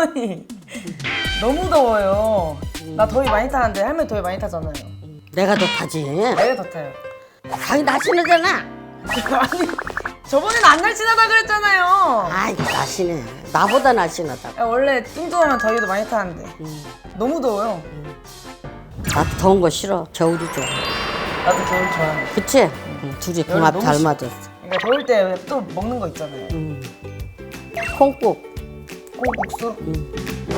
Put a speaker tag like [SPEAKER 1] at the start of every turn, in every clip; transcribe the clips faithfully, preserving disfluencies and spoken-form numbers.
[SPEAKER 1] 할머니 너무 더워요. 나 더위 많이 타는데 할머니 더위 많이 타잖아요.
[SPEAKER 2] 내가 더 타지.
[SPEAKER 1] 내가 더 타요.
[SPEAKER 2] 자기 나시는잖아.
[SPEAKER 1] 아니 저번에는 안 날씬하다 그랬잖아요.
[SPEAKER 2] 아이 나시네. 나보다 나시나다.
[SPEAKER 1] 야, 원래 뚱뚱하면 더위도 많이 타는데
[SPEAKER 2] 음.
[SPEAKER 1] 너무 더워요.
[SPEAKER 2] 나도 더운 거 싫어. 겨울이 좋아.
[SPEAKER 1] 나도 겨울 좋아해.
[SPEAKER 2] 그치? 응, 둘이 궁합
[SPEAKER 1] 너무
[SPEAKER 2] 잘
[SPEAKER 1] 싫-
[SPEAKER 2] 맞았어.
[SPEAKER 1] 그러니까 더울 때 또 먹는 거 있잖아요.
[SPEAKER 2] 응. 콩국.
[SPEAKER 1] 콩국수.
[SPEAKER 2] 응.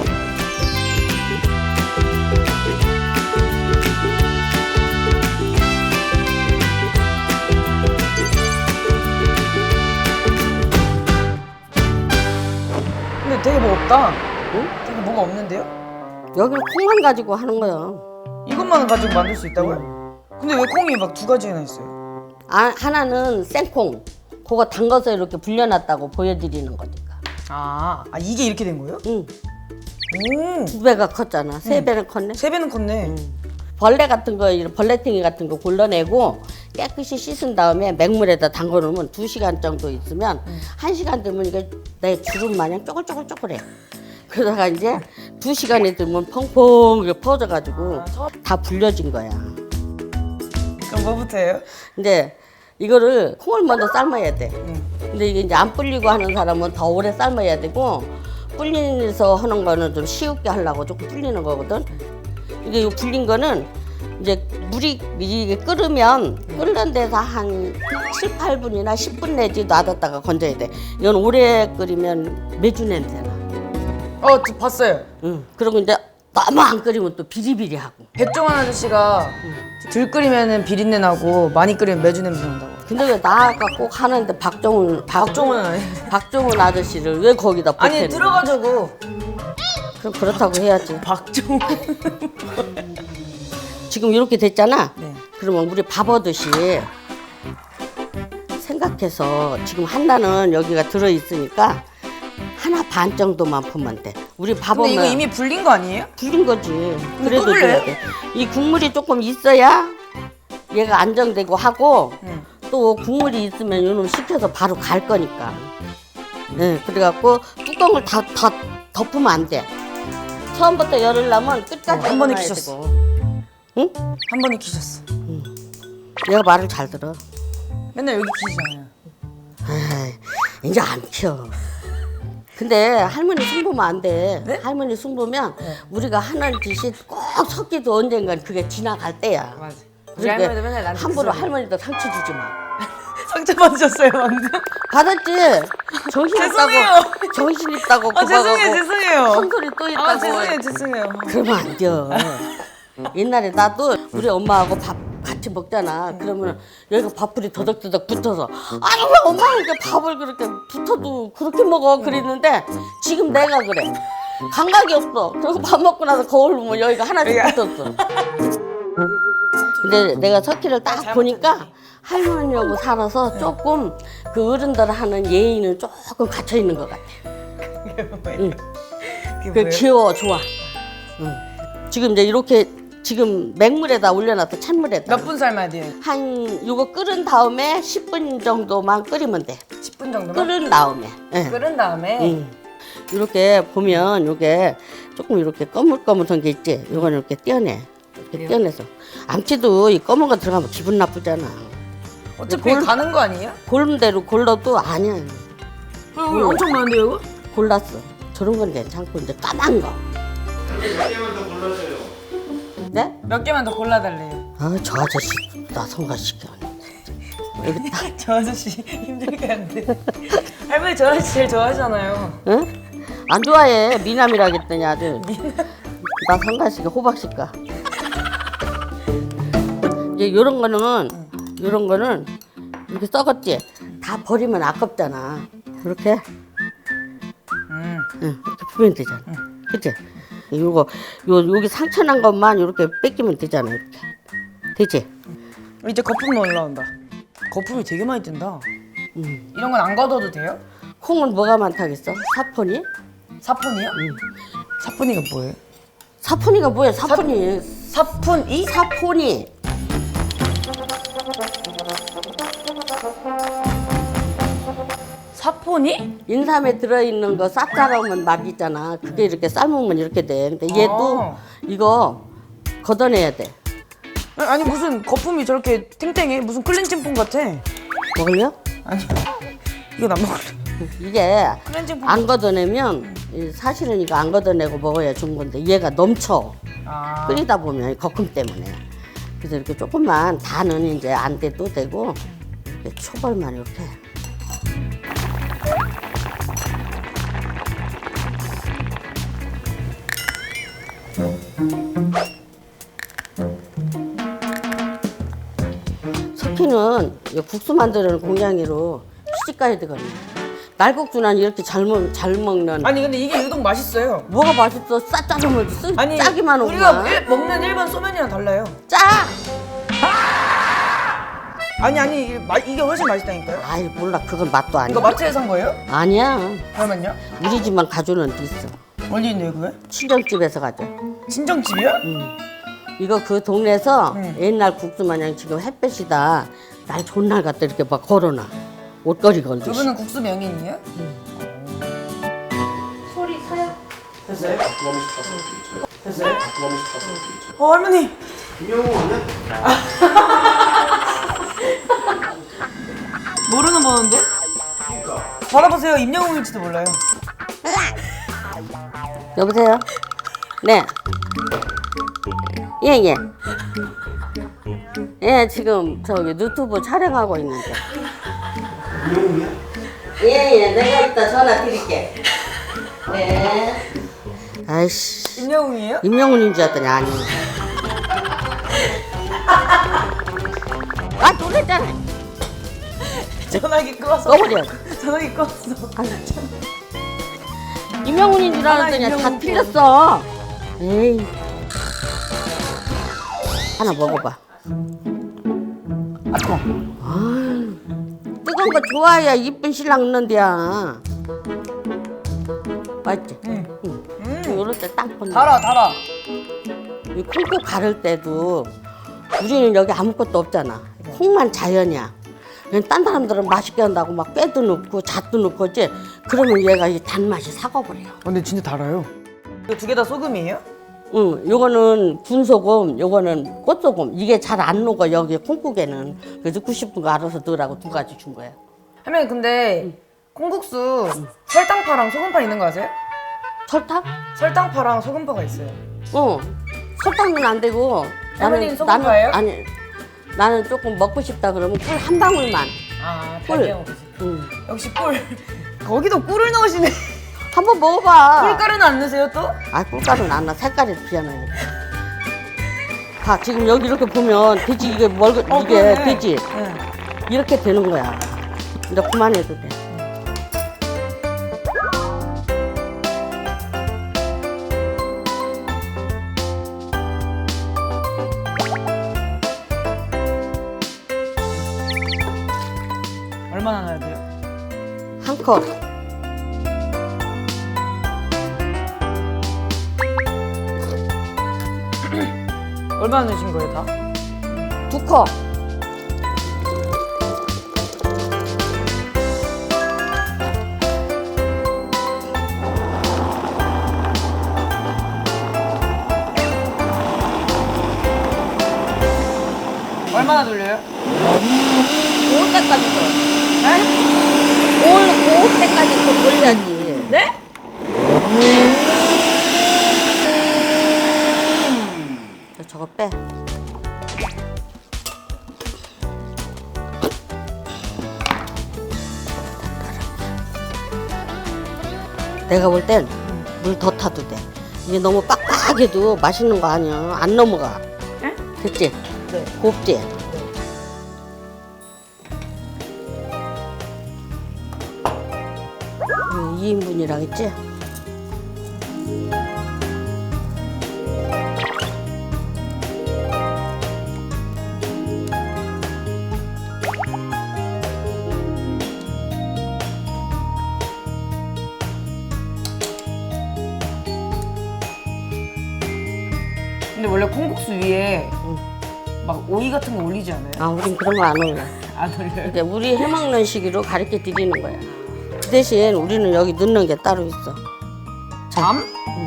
[SPEAKER 1] 근데 되게 뭐 없다.
[SPEAKER 2] 응?
[SPEAKER 1] 되게 뭐가 없는데요?
[SPEAKER 2] 여기는 콩만 가지고 하는 거야.
[SPEAKER 1] 이것만 가지고 만들 수 있다고요? 근데 왜 콩이 막 두 가지나 있어요?
[SPEAKER 2] 아, 하나는 생콩. 그거 담가서 이렇게 불려놨다고 보여드리는 거니까.
[SPEAKER 1] 아, 아 이게 이렇게 된 거예요?
[SPEAKER 2] 응.
[SPEAKER 1] 오,
[SPEAKER 2] 두 배가 컸잖아. 세 배는 컸네.
[SPEAKER 1] 세 배는 컸네.
[SPEAKER 2] 벌레 같은 거, 이런 벌레탱이 같은 거 골라내고 깨끗이 씻은 다음에 맹물에다 담궈 놓으면 두 시간 정도 있으면 한 시간 되면 이게 내 주름 마냥 쪼글쪼글쪼글해. 그러다가 이제 두 시간이 되면 펑펑 이렇게 퍼져가지고 다 불려진 거야.
[SPEAKER 1] 그럼 뭐부터 해요?
[SPEAKER 2] 근데 이거를 콩을 먼저 삶아야 돼.
[SPEAKER 1] 응.
[SPEAKER 2] 근데 이게 이제 안 불리고 하는 사람은 더 오래 삶아야 되고 불리면서 하는 거는 좀 쉽게 하려고 조금 불리는 거거든. 이게 이 불린 거는 이제 물이 이게 끓으면 끓는 데서 한 칠, 팔 분이나 십 분 내지 놔뒀다가 건져야 돼. 이건 오래 끓이면 매주 냄새나.
[SPEAKER 1] 어, 저 봤어요.
[SPEAKER 2] 응. 그리고 이제 너무 안 끓이면 또 비리비리하고.
[SPEAKER 1] 백종원 아저씨가 덜 끓이면 비린내 나고 많이 끓이면 매주 냄새 난다고.
[SPEAKER 2] 근데 왜 나가 꼭 하는데 박정훈 박,
[SPEAKER 1] 박종원 아니?
[SPEAKER 2] 박정훈 아저씨를 왜 거기다
[SPEAKER 1] 아니
[SPEAKER 2] 보태는
[SPEAKER 1] 들어가지고
[SPEAKER 2] 그럼 그렇다고 해야지.
[SPEAKER 1] 박종원.
[SPEAKER 2] 지금 이렇게 됐잖아.
[SPEAKER 1] 네.
[SPEAKER 2] 그러면 우리 밥 얻듯이 생각해서 지금 하나는 여기가 들어 있으니까 하나 반 정도만 부으면 돼. 우리 밥
[SPEAKER 1] 근데 이거
[SPEAKER 2] 오면
[SPEAKER 1] 이미 불린 거 아니에요?
[SPEAKER 2] 불린 거지. 그래도
[SPEAKER 1] 또 불려요?
[SPEAKER 2] 돼야 돼. 이 국물이 조금 있어야 얘가 안정되고 하고
[SPEAKER 1] 응.
[SPEAKER 2] 또 국물이 있으면 요놈 식혀서 바로 갈 거니까. 네, 그래갖고 뚜껑을 다, 다 덮으면 안 돼. 처음부터 열으려면 끝까지
[SPEAKER 1] 어, 한 번에
[SPEAKER 2] 열어놔야
[SPEAKER 1] 키셨어.
[SPEAKER 2] 되고. 응?
[SPEAKER 1] 한 번에 키셨어.
[SPEAKER 2] 얘가 말을 잘 들어.
[SPEAKER 1] 맨날 여기 키시잖아요.
[SPEAKER 2] 에이, 이제 안 켜. 근데 할머니 승부면 안 돼.
[SPEAKER 1] 네?
[SPEAKER 2] 할머니 승부면
[SPEAKER 1] 네.
[SPEAKER 2] 우리가 하는 짓이 꼭 섞이도 언젠간 그게 지나갈 때야.
[SPEAKER 1] 맞아. 우리
[SPEAKER 2] 그러니까
[SPEAKER 1] 할머니도 맨날 나한테
[SPEAKER 2] 함부로
[SPEAKER 1] 그 소리.
[SPEAKER 2] 할머니도 상처 주지 마.
[SPEAKER 1] 상처 받으셨어요 방금?
[SPEAKER 2] 받았지? 정신
[SPEAKER 1] 죄송해요.
[SPEAKER 2] 있다고. 정신 있다고
[SPEAKER 1] 아 죄송해요
[SPEAKER 2] 고박하고
[SPEAKER 1] 죄송해요.
[SPEAKER 2] 큰소리 또 있다고.
[SPEAKER 1] 아 죄송해요 죄송해요.
[SPEAKER 2] 그러면 안 돼. 옛날에 나도 우리 엄마하고 밥 같이 먹잖아. 그러면 여기가 밥풀이 더덕더덕 붙어서 아니 왜 엄마가 이렇게 밥을 그렇게 붙어도 그렇게 먹어 그랬는데 지금 내가 그래. 감각이 없어. 그리고 밥 먹고 나서 거울 보면 여기가 하나씩
[SPEAKER 1] 여기가.
[SPEAKER 2] 붙었어. 근데 내가 석희를 딱 보니까 할머니하고 살아서 조금 그 어른들 하는 예의는 조금 갇혀 있는 것 같아. 응.
[SPEAKER 1] 그게
[SPEAKER 2] 그
[SPEAKER 1] 뭐예요?
[SPEAKER 2] 귀여워, 좋아. 응. 지금 이제 이렇게 지금 맹물에다 올려놨어, 찬물에다.
[SPEAKER 1] 몇 분 삶아야 돼요?
[SPEAKER 2] 한 요거 끓은 다음에 십 분 정도만 끓이면 돼.
[SPEAKER 1] 십 분 정도만?
[SPEAKER 2] 끓은 다음에. 예.
[SPEAKER 1] 끓은 다음에
[SPEAKER 2] 응. 이렇게 보면 요게 조금 이렇게 거물거물한 게 있지. 요거는 이렇게 떼어내. 이렇게
[SPEAKER 1] 그래요?
[SPEAKER 2] 떼어내서. 암치도 이 검은 거 들어가면 기분 나쁘잖아.
[SPEAKER 1] 어차피
[SPEAKER 2] 골-
[SPEAKER 1] 가는 거 아니에요?
[SPEAKER 2] 고른 대로 골라도 아니야.
[SPEAKER 1] 어, 엄청 많은데요 이거?
[SPEAKER 2] 골랐어. 저런 건 괜찮고 이제 까만 거.
[SPEAKER 3] 몇 개만 더 골라줘요.
[SPEAKER 2] 네?
[SPEAKER 1] 몇 개만 더 골라달래요.
[SPEAKER 2] 아, 저 아저씨 나 성가시켜. 여기 딱,
[SPEAKER 1] 저 아저씨 힘들게 하는데 할머니 저 아저씨 제일 좋아하잖아요.
[SPEAKER 2] 응? 안 좋아해. 미남이라겠더니 아주. 나 성가시켜, 호박시까. 이제 요런 거는, 요런 거는 이렇게 썩었지? 다 버리면 아깝잖아. 이렇게,
[SPEAKER 1] 음.
[SPEAKER 2] 응, 이렇게 부으면 되잖아. 그치? 요거, 요, 여기 상처 난 것만 이렇게 뺏기면 되잖아, 이렇게. 되지?
[SPEAKER 1] 이제 거품 올라온다. 거품이 되게 많이 뜬다.
[SPEAKER 2] 응.
[SPEAKER 1] 이런 건 안 걷어도 돼요?
[SPEAKER 2] 콩은 뭐가 많다겠어? 사포니?
[SPEAKER 1] 사포니요? 사포니가 뭐예요?
[SPEAKER 2] 사포니가 뭐야, 사포니.
[SPEAKER 1] 사푼이?
[SPEAKER 2] 사포니.
[SPEAKER 1] 사포니? 소문이?
[SPEAKER 2] 인삼에 들어있는 거 쌉싸름한 맛 있잖아. 그게 이렇게 삶으면 이렇게 돼. 근데 얘도
[SPEAKER 1] 아.
[SPEAKER 2] 이거 걷어내야 돼.
[SPEAKER 1] 아니 무슨 거품이 저렇게 탱탱해? 무슨 클렌징 폼 같아.
[SPEAKER 2] 먹을려?
[SPEAKER 1] 아니 이건 안 먹을래.
[SPEAKER 2] 이게
[SPEAKER 1] 클렌징 폼.
[SPEAKER 2] 안 걷어내면 이 사실은 이거 안 걷어내고 먹어야 좋은 건데 얘가 넘쳐.
[SPEAKER 1] 아.
[SPEAKER 2] 끓이다 보면 거품 때문에. 그래서 이렇게 조금만 다는 이제 안 돼도 되고 이렇게 초벌만 이렇게. 석희는 이 국수 만드는 공양이로 시집 가야 되거든요. 날국수는 이렇게 잘, 먹, 잘 먹는.
[SPEAKER 1] 아니 근데 이게 유독 맛있어요.
[SPEAKER 2] 뭐가 맛있어? 싸짜면 쓰
[SPEAKER 1] 아니
[SPEAKER 2] 짜기만
[SPEAKER 1] 우리가
[SPEAKER 2] 오구만.
[SPEAKER 1] 일, 먹는 일반 소면이랑 달라요.
[SPEAKER 2] 짜!
[SPEAKER 1] 아니 아니 이게, 마, 이게 훨씬 맛있다니까요.
[SPEAKER 2] 아이 몰라 그건 맛도 아니야.
[SPEAKER 1] 이거 마트에서 산 거예요?
[SPEAKER 2] 아니야.
[SPEAKER 1] 그러면요?
[SPEAKER 2] 우리 집만 가져오는 데 있어.
[SPEAKER 1] 어디 있네요 그게?
[SPEAKER 2] 친정집에서 가져.
[SPEAKER 1] 친정집이요?
[SPEAKER 2] 이거 그 동네에서
[SPEAKER 1] 응.
[SPEAKER 2] 옛날 국수 마냥 지금 햇볕이다. 날 좋은 날 갖다 이렇게 막 걸어놔. 옷걸이 걸듯이.
[SPEAKER 1] 저분은 국수 명인이에요?
[SPEAKER 2] 소리 사요?
[SPEAKER 1] 됐어요? 됐어요? 어 할머니.
[SPEAKER 3] 김영우 아니야?
[SPEAKER 1] 모르는 번호인데? 받아보세요. 임영웅일지도 몰라요.
[SPEAKER 2] 여보세요? 네. 예, 예. 예, 지금 저기 유튜브 촬영하고 있는데.
[SPEAKER 3] 김영우야?
[SPEAKER 2] 예, 예. 내가 이따 전화 드릴게. 네. 아이씨.
[SPEAKER 1] 임영웅이에요?
[SPEAKER 2] 임명훈인 줄 알았더니 아니네. 아, 놀랬잖아.
[SPEAKER 1] 전화기 끄었어.
[SPEAKER 2] 꺼버려.
[SPEAKER 1] 전화기 끄었어.
[SPEAKER 2] 임명훈인 줄 알았더니
[SPEAKER 1] 아,
[SPEAKER 2] 다
[SPEAKER 1] 임명훈
[SPEAKER 2] 틀렸어. 에이. 하나 먹어봐.
[SPEAKER 1] 아 뜨거.
[SPEAKER 2] 뜨거운 거 좋아야 이쁜 신랑 있는데야. 맛있지?
[SPEAKER 1] 응.
[SPEAKER 2] 응.
[SPEAKER 1] 음.
[SPEAKER 2] 이럴 때 딱 건네.
[SPEAKER 1] 달아 달아.
[SPEAKER 2] 이 콩국 가를 때도 우리는 여기 아무것도 없잖아. 콩만 자연이야. 그냥 딴 사람들은 맛있게 한다고 막 깨도 넣고 잣도 넣고 하지. 그러면 얘가 이 단맛이 사가버려.
[SPEAKER 1] 근데 진짜 달아요. 이거 두 개 다 소금이에요?
[SPEAKER 2] 응, 요거는 군소금, 요거는 꽃소금. 이게 잘 안 녹아 여기 콩국에는. 그래서 넣고 싶은 거 알아서 넣으라고 두 가지 준 거야.
[SPEAKER 1] 할머니 근데 콩국수 설탕파랑 소금파 있는 거 아세요?
[SPEAKER 2] 설탕?
[SPEAKER 1] 설탕파랑 소금파가 있어요.
[SPEAKER 2] 어. 설탕은 안 되고.
[SPEAKER 1] 할머니는 소금파예요?
[SPEAKER 2] 아니, 나는 조금 먹고 싶다 그러면 꿀 한 방울만.
[SPEAKER 1] 아
[SPEAKER 2] 꿀.
[SPEAKER 1] 달걀 먹으시.
[SPEAKER 2] 응.
[SPEAKER 1] 역시 꿀. 거기도 꿀을 넣으시네.
[SPEAKER 2] 한번 먹어봐.
[SPEAKER 1] 꿀가루는 안 넣으세요 또?
[SPEAKER 2] 아, 꿀가루는 안 나. 색깔이 비하네. 봐, 지금 여기 이렇게 보면 돼지 이게 뭘 이게
[SPEAKER 1] 어, 그러네.
[SPEAKER 2] 돼지
[SPEAKER 1] 응.
[SPEAKER 2] 이렇게 되는 거야. 이제 그만해도 돼.
[SPEAKER 1] 얼마나 넣어야 돼요?
[SPEAKER 2] 한 컵.
[SPEAKER 1] 얼마나 넣으신 거예요 다?
[SPEAKER 2] 두 컵.
[SPEAKER 1] 얼마나 돌려요?
[SPEAKER 2] 올 때까지 또.
[SPEAKER 1] 네?
[SPEAKER 2] 올, 올 때까지 또 돌려야지.
[SPEAKER 1] 네?
[SPEAKER 2] 저, 저거 빼. 내가 볼 땐 물 더 타도 돼. 이게 너무 빡빡해도 맛있는 거 아니야. 안 넘어가.
[SPEAKER 1] 네?
[SPEAKER 2] 됐지?
[SPEAKER 1] 네.
[SPEAKER 2] 곱지? 이 인분이랑 했지?
[SPEAKER 1] 근데 원래 콩국수 위에
[SPEAKER 2] 응.
[SPEAKER 1] 막 오이 같은 거 올리지 않아요?
[SPEAKER 2] 아, 우린 그런 거 안 올려.
[SPEAKER 1] 안 올려요?
[SPEAKER 2] 이제 우리 해먹는 식으로 가르쳐 드리는 거야. 그 대신 우리는 여기 넣는 게 따로 있어.
[SPEAKER 1] 밤?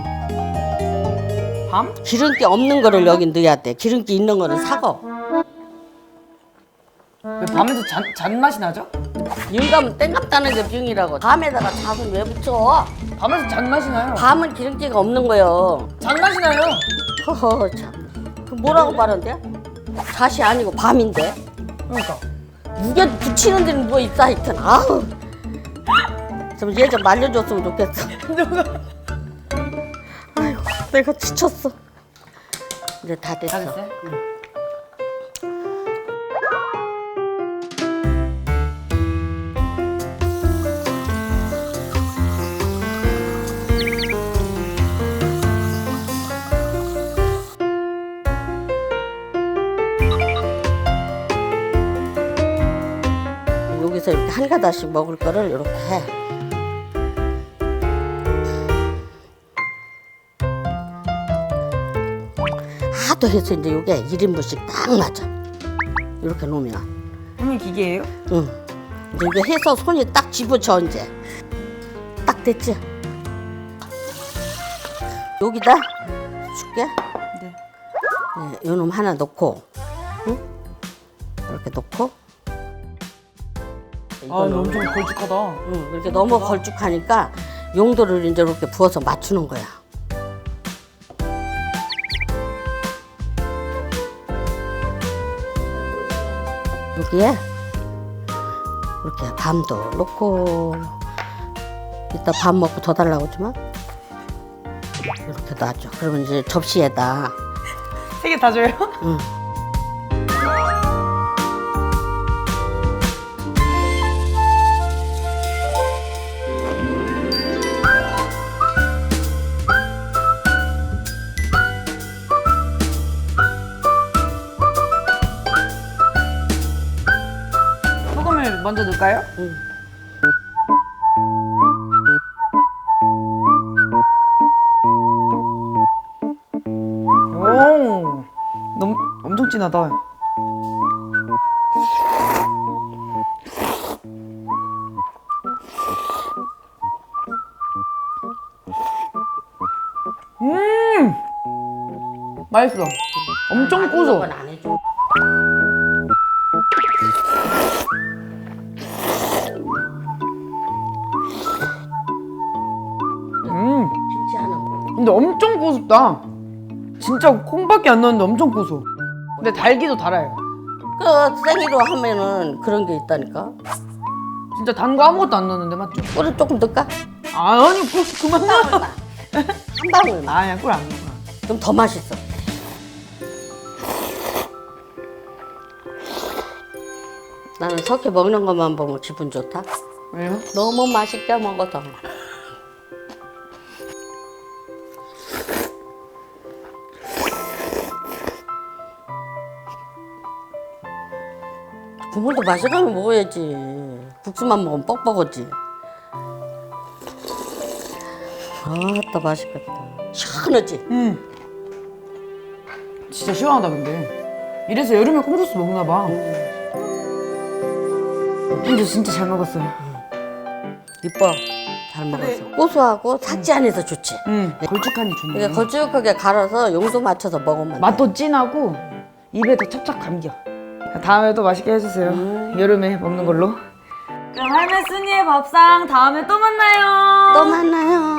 [SPEAKER 1] 밤?
[SPEAKER 2] 기름기 없는 거를 여기 넣어야 돼. 기름기 있는 거는 사고.
[SPEAKER 1] 왜 밤에도 잔, 잔맛이 나죠?
[SPEAKER 2] 영감은 땡감 따는 게 병이라고. 밤에다가 잣은 왜 붙여?
[SPEAKER 1] 밤에서 잔맛이 나요.
[SPEAKER 2] 밤은 기름기가 없는 거요.
[SPEAKER 1] 잔맛이 나요.
[SPEAKER 2] 허허 참. 그 뭐라고 말한대? 잣이 아니고 밤인데.
[SPEAKER 1] 그러니까.
[SPEAKER 2] 무게 붙이는 데는 뭐 있어 하여튼. 아우. 좀 얘 좀 말려줬으면 좋겠어. 아이고 내가 지쳤어. 이제 다 됐어.
[SPEAKER 1] 다 됐어요?
[SPEAKER 2] 응. 여기서 이렇게 한 가닥씩 먹을 거를 이렇게 해. 하도 해서 이제 이게 일 인분씩 딱 맞아. 이렇게 놓으면.
[SPEAKER 1] 형님 기계예요?
[SPEAKER 2] 응. 이제 이거 해서 손이 딱 집어쳐 이제. 딱 됐지? 여기다 줄게.
[SPEAKER 1] 네.
[SPEAKER 2] 네, 요놈 하나 넣고, 응? 이렇게 넣고.
[SPEAKER 1] 아,
[SPEAKER 2] 이거는
[SPEAKER 1] 엄청 걸쭉하다.
[SPEAKER 2] 응, 이렇게 너무 걸쭉하니까 용도를 이제 이렇게 부어서 맞추는 거야. 여기에 이렇게 밤도 넣고 이따 밥 먹고 더 달라고 하지만 이렇게 놔줘. 그러면 이제 접시에다
[SPEAKER 1] 세 개 다 줘요?
[SPEAKER 2] 응.
[SPEAKER 1] 소금을 먼저 넣을까요?
[SPEAKER 2] 응.
[SPEAKER 1] 오, 너무 엄청 진하다. 음, 맛있어. 엄청 고소.
[SPEAKER 2] 그건 안 해줘.
[SPEAKER 1] 음,
[SPEAKER 2] 김치 하나 먹어.
[SPEAKER 1] 근데 엄청 고소다. 진짜 콩밖에 안 넣었는데 엄청 고소. 근데 달기도 달아요.
[SPEAKER 2] 그 생이로 하면은 그런 게 있다니까.
[SPEAKER 1] 진짜 단 거 아무것도 안 넣었는데 맞죠?
[SPEAKER 2] 꿀을 조금 넣을까?
[SPEAKER 1] 아, 아니 꿀 그만 넣어.
[SPEAKER 2] 한 방울만.
[SPEAKER 1] 아니야, 꿀 안 넣어.
[SPEAKER 2] 그럼 더 맛있어. 나는 석회 먹는 것만 보면 기분 좋다.
[SPEAKER 1] 왜요?
[SPEAKER 2] 너무 맛있게 먹어서. 국물도 마시라면 먹어야지. 국수만 먹으면 뻑뻑하지. 아따 맛있겠다. 시원하지?
[SPEAKER 1] 음. 진짜 시원하다 근데. 이래서 여름에 콩소스 먹나 봐. 근데 진짜 잘 먹었어요.
[SPEAKER 2] 이뻐. 잘 먹었어. 고소하고 삭지 안에서 좋지.
[SPEAKER 1] 음. 걸쭉하니 좋네.
[SPEAKER 2] 이게 걸쭉하게 갈아서 용도 맞춰서 먹으면 돼.
[SPEAKER 1] 맛도 진하고 입에 더 찹찹 감겨. 다음에 또 맛있게 해주세요. 여름에 먹는 걸로. 그럼 할매 순이의 밥상 다음에 또 만나요.
[SPEAKER 2] 또 만나요.